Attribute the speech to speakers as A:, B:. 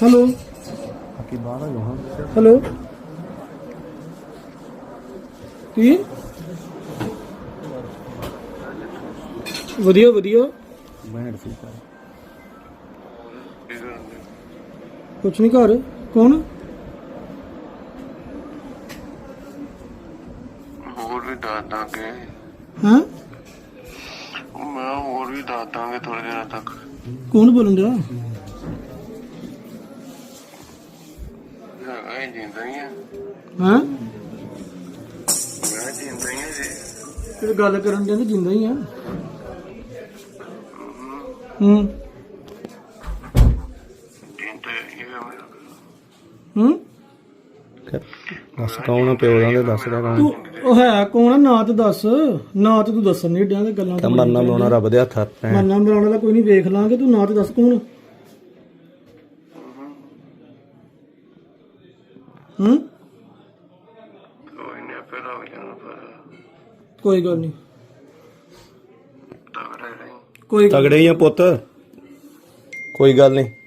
A: hello hello की वधिया वधिया कुछ नहीं घर कौन
B: ਹੋਰ ਵੀ ਦੱਸ ਦਾਂਗੇ
A: हैं
B: ਮੈਂ ਹੋਰ ਵੀ ਦੱਸ ਦਾਂਗੇ ਥੋੜੇ ਦਿਨਾਂ ਤੱਕ
A: कौन बोलन रहा
B: ਹੈਗਾ ਹੀ ਜਿੰਦਾ ਹੀ ਆ
A: हैं
B: ਮੈਂ ਜਿੰਦਾ ਹੀ ਆ ਜੀ
A: ਤੇ ਗੱਲ ਕਰਨ ਦੇ ਜਿੰਦਾ ਹੀ ਆ
B: ਜਿੰਦਾ ਹੀ ਆ ਮੇਰਾ
C: ਦੱਸ ਕੌਣ ਆ ਪਿਓ ਦਾ ਤੇ ਦੱਸ ਰਿਹਾ ਕੌਣ
A: ਤੂੰ ਉਹ ਹੈ ਕੌਣ ਆ ਨਾ ਤੇ ਦੱਸ ਨਾ ਤੇ ਤੂੰ ਦੱਸਣ ਨਹੀਂ ਡਿਆ ਤੇ ਗੱਲਾਂ
C: ਤਾਂ ਮਰਨਾ ਮਰਾਉਣਾ ਰੱਬ ਦੇ ਹੱਥ ਹੈ
A: ਮਰਨਾ ਮਰਾਉਣਾ ਦਾ ਕੋਈ ਨਹੀਂ ਵੇਖ ਲਾਂਗੇ ਤੂੰ ਨਾ ਤੇ ਦੱਸ ਕੌਣ
B: ਕੋਈ ਨਹੀਂ ਆਪੇ ਲੱਗ ਜਾਣਾ ਪਰ
A: ਕੋਈ ਗੱਲ ਨਹੀਂ
B: ਤਗੜੇ ਰਹੀ
A: ਕੋਈ ਗੱਲ
C: ਤਗੜੇ ਹੀ ਆ ਪੁੱਤ ਕੋਈ ਗੱਲ ਨਹੀਂ